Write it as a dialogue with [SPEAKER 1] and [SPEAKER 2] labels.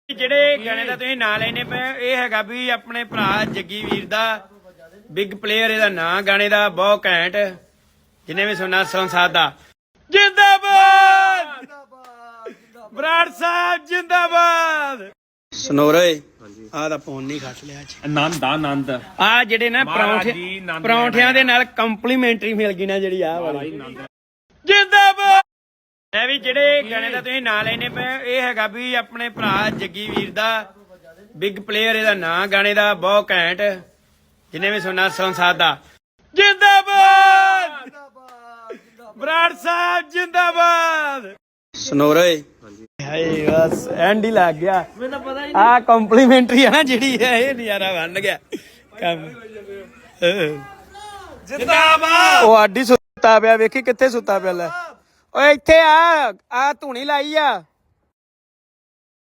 [SPEAKER 1] ਜਿਹੜੇ ਗਾਣੇ ਦਾ ਤੁਸੀਂ ਨਾਂ ਲੈਣੇ ਪਏ ਇਹ ਹੈਗਾ ਵੀ ਆਪਣੇ ਭਰਾ ਜੱਗੀ ਵੀਰ ਦਾ ਬਿਗ ਪਲੇਅਰ। ਇਹਦਾ ਨਾਂ ਗਾਣੇ ਦਾ ਬਹੁਤ ਘੈਂਟ, ਜਿਹਨੇ ਵੀ ਸੁਣਨਾ ਸੰਸਾਦ ਦਾ। ਜਿੰਦਾਬਾਦ ਬਰਾੜ ਸਾਹਿਬ, ਜਿੰਦਾਬਾਦ। ਸਨੋਰੇ ਆਹ ਦਾ ਫੋਨ ਨਹੀਂ ਖੱਟ ਲਿਆ
[SPEAKER 2] ਆਨੰਦ
[SPEAKER 1] ਆ ਜਿਹੜੇ ਨਾ ਪਰੌਂਠਿਆਂ ਦੇ ਨਾਲ ਕੰਪਲੀਮੈਂਟਰੀ ਮਿਲ ਗਈ ਨਾ ਜਿਹੜੀ ਆਹ ਵਾਲੀ। ਜਿੰਦਾਬਾਦ। ਇਹ ਵੀ ਜਿਹੜੇ ਗਾਣੇ ਦਾ ਤੁਸੀਂ ਨਾਂ ਲੈਣੇ ਪਏ ਇਹ ਹੈਗਾ ਵੀ ਆਪਣੇ ਭਰਾ ਜੱਗੀ ਵੀਰ ਦਾ ਬਿਗ ਪਲੇਅਰ। ਇਹਦਾ ਨਾਂ ਗਾਣੇ ਦਾ ਬਹੁਤ ਘੈਂਟ, ਜਿਹਨੇ ਵੀ ਸੁਣਨਾ ਸੰਸਾਦ ਦਾ। ਜਿੰਦਾਬਾਦ ਬਰਾੜ ਸਾਹਿਬ, ਜਿੰਦਾਬਾਦ। ਸਨੋਰੇ ਹਾਏ ਬਸ ਐਂਡ ਹੀ ਲੱਗ ਗਿਆ। ਆ ਕੰਪਲੀਮੈਂਟਰੀ ਆ ਨਾ ਜਿਹੜੀ ਇਹ ਨਜ਼ਾਰਾ ਬਣ ਗਿਆ ਕੰਮ। ਜਿੰਦਾਬਾਦ। ਉਹ ਆਡੀ ਸੁੱਤਾ ਪਿਆ, ਵੇਖੀ ਕਿੱਥੇ ਸੁੱਤਾ ਪਿਆ। ਲੈ ਓਏ ਇੱਥੇ ਆ ਧੂਣੀ ਲਾਈ ਆ।